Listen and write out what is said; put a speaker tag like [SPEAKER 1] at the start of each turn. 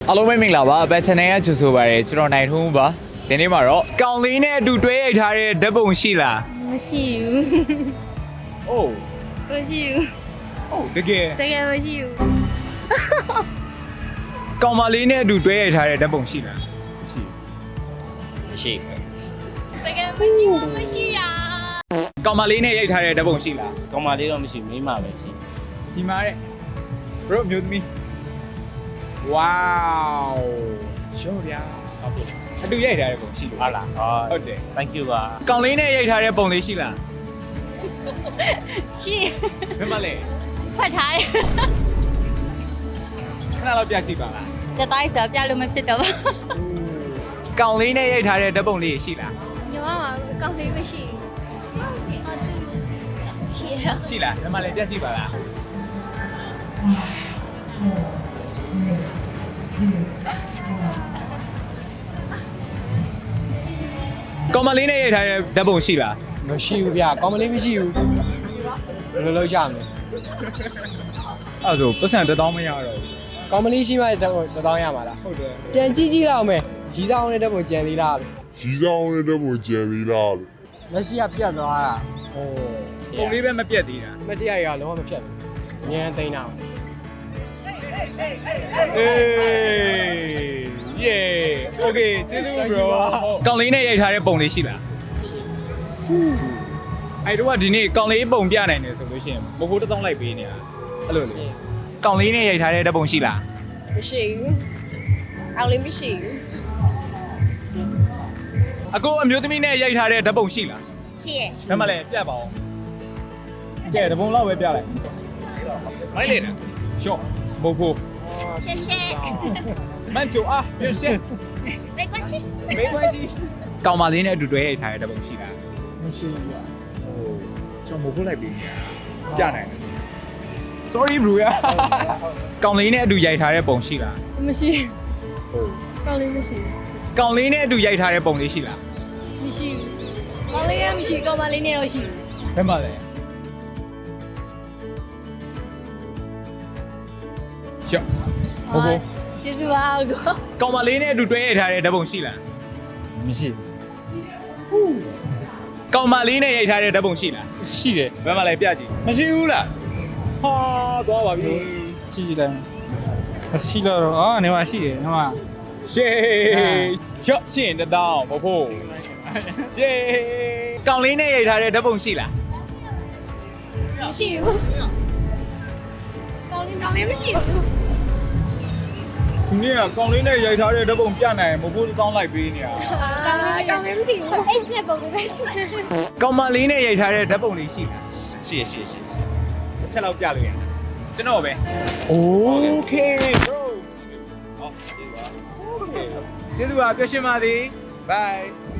[SPEAKER 1] အားလုံးပဲမင်္ဂလာပါဘတ်ချန်နယ်ကကြိုဆိုပါရစေကျွန်တော်နိုင်ထုံးပါဒီနေ့မှာတော့ကောင်လေးနဲ့အတူတွဲရိုက်ထားတဲ့ဓာတ်ပုံရှိလား
[SPEAKER 2] မရှိဘူး
[SPEAKER 1] အိုး
[SPEAKER 2] မရှိဘူး
[SPEAKER 1] အိုးတကယ်
[SPEAKER 2] တကယ်မရှိဘူး
[SPEAKER 1] ကောင်မလေးနဲ့အတူတွဲရိုက်ထားတဲ့ဓာတ်ပုံရှိလားမရှိ
[SPEAKER 3] မရှိ
[SPEAKER 2] တကယ်မရှိဘူးမရှိရ
[SPEAKER 1] ကောင်မလေးနဲ့ရိုက်ထားတဲ့ဓာတ်ပုံရှိလား
[SPEAKER 3] ကောင်းမလေးတော့မရှိမိမပဲရှိ
[SPEAKER 1] ဒီမှာတဲ့ bro မျိုးသမီး wow ရောဗျာ
[SPEAKER 3] ဟုတ်ပြီ
[SPEAKER 1] အတူရိုက်ထားတဲ့ပုံရှိလို့
[SPEAKER 3] ဟုတ်လား
[SPEAKER 1] ဟုတ်တယ်
[SPEAKER 3] thank you ပါ
[SPEAKER 1] ကောင်လေးနဲ့ရိုက်ထားတဲ့ပုံလေးရှိလား
[SPEAKER 2] ရှိ
[SPEAKER 1] ဘယ်မှာလဲ
[SPEAKER 2] ဖတ်ထားတယ်
[SPEAKER 1] ခဏလောက်ပြကြည့်ပါလား
[SPEAKER 2] တတိုင်းဆိုပြလို့မဖြစ်တော့ပါ
[SPEAKER 1] ကောင်လေးနဲ့ရိုက်ထားတဲ့ဓာတ်ပုံလေးရှိလား
[SPEAKER 2] ညီမမှာအကောင့်လေးမရှိဘူးအော်သူရှိရ
[SPEAKER 1] ရှိလားဘယ်မှာလဲပြကြည့်ပါလားကောင်မလေးနဲ့ရိုက်ထားတဲ့ဓာတ်ပုံရှိလား
[SPEAKER 4] မရှိဘူးဗျကောင်းမလေးမရှိဘူးဘယ်လိုလုပ်ကြမလဲ
[SPEAKER 1] အဲ့ဒါဆိုပတ်စံ1000မရတော့ဘူး
[SPEAKER 4] ကောင်းမလေးရှိမှတတောင်းရမှာလား
[SPEAKER 1] ဟုတ်တယ်
[SPEAKER 4] ပြန်ကြည့်ကြည့်တော့မယ်ရီဆောင်နဲ့တက်ပုံကြံသေးလားလို့
[SPEAKER 5] ရီဆောင်နဲ့တော့မကြံသေးလားလို့
[SPEAKER 4] မရှိကပြတ်သွားတာ
[SPEAKER 1] ဟိုပုံလေးပဲမပြတ်သေးတာ
[SPEAKER 4] မတရားရလုံးဝမဖြတ်ဘူးအများနဲ့တိန်းတာ
[SPEAKER 1] အေး yeah okay ကျေးဇူး bro ကောင်လေးနဲ့ရိုက်ထားတဲ့ပုံလေးရှိလားအဲ့တော့ဒီနေ့ကောင်လေးပုံပြနိုင်တယ်ဆိုလို့ရှိရင်မဟုတ်1000လိုက်ပေးနေတာအဲ့လိုလေကောင်လေးနဲ့ရိုက်ထားတဲ့ဓာတ်ပုံရှိလား
[SPEAKER 6] မရှိဘူးအောင်လေးမရှိဘူး
[SPEAKER 1] အကိုအမျိုးသမီးနဲ့ရိုက်ထားတဲ့ဓာတ်ပုံရှိလား
[SPEAKER 2] ရှိရ
[SPEAKER 1] ဘယ်မှာလဲပြတ်ပါအောင်ကဲဓာတ်ပုံလောက်ပဲပြလိုက်မိုက်လေနော်ရှော့ဘို့ဖို့
[SPEAKER 2] ရှက်ရှက်
[SPEAKER 1] မန်ချိုအားပြရှင်း
[SPEAKER 2] 没关系
[SPEAKER 1] မေးခွန်းရှိကောင်မလေးနဲ့အတူတွဲရိုက်ထားတဲ့ဓာတ်ပုံရှိလား
[SPEAKER 4] မရှိဘူးဗျ
[SPEAKER 1] ဟိုကျွန်တော်မဟုတ်လိုက်ပြီပြနိုင်တယ် sorry bro ရကောင်လေးနဲ့အတူရိုက်ထားတဲ့ပုံရှိလား
[SPEAKER 6] မရှိ
[SPEAKER 1] ဟုတ်
[SPEAKER 6] ကောင်းလေးမရှိ
[SPEAKER 1] ကောင်လေးနဲ့အတူရိုက်ထားတဲ့ပုံလေးရှိလား
[SPEAKER 6] မရှိဘူးကောင်းလေးကမရှိကောင်းမလေးနဲ့တော့ရှိ
[SPEAKER 1] ဘယ်မှာလဲရှော့ဘို့ဖို့
[SPEAKER 6] ကျေးဇူးပါဦးတော့
[SPEAKER 1] ကောင်မလေးနဲ့အတူတွဲရိုက်ထားတဲ့ဓာတ်ပုံရှိလား
[SPEAKER 3] မရှိ
[SPEAKER 1] ကောင်မလေးနဲ့ရိုက်ထားတဲ့ဓာတ်ပုံရှိလား
[SPEAKER 3] ရှိတယ်
[SPEAKER 1] ဘယ်မှာလဲပြကြည့်မရှိဘူးလားဟာသွားပါပြီ
[SPEAKER 7] ကြည့်လိုက်မရှိတော့အော်နေမှာရှိတယ်ဟိုမှာ
[SPEAKER 1] ရှေးရှော့ရှင်း1000ဘို့ဖို့ရှေးကောင်လေးနဲ့ရိုက်ထားတဲ့ဓာတ်ပုံရှိလား
[SPEAKER 2] မရှိဘူးကောင်းလေးမရှိဘူး
[SPEAKER 1] ဒီနေ့ကကောင်လေးနဲ့ရိုက်ထားတဲ့ဓာတ်ပုံပြနိုင်မဟုတ်1000လိုက်ပေးနေတာ
[SPEAKER 2] ကောင်းလေးမရှိဘူး H နဲ့ပုံလေးပဲရှိတယ်
[SPEAKER 1] ကောင်မလေးနဲ့ရိုက်ထားတဲ့ဓာတ်ပုံလေးရှိလား
[SPEAKER 3] ရှိရရှိရရှိရ
[SPEAKER 1] တစ်ချက်လောက်ပြလို့ရတယ်ကျွန်တော်ပဲ Okay bro
[SPEAKER 3] ဟုတ်ပြီပါ
[SPEAKER 1] Okay ကျေးဇူးပါပြောရှင်းပါသည် bye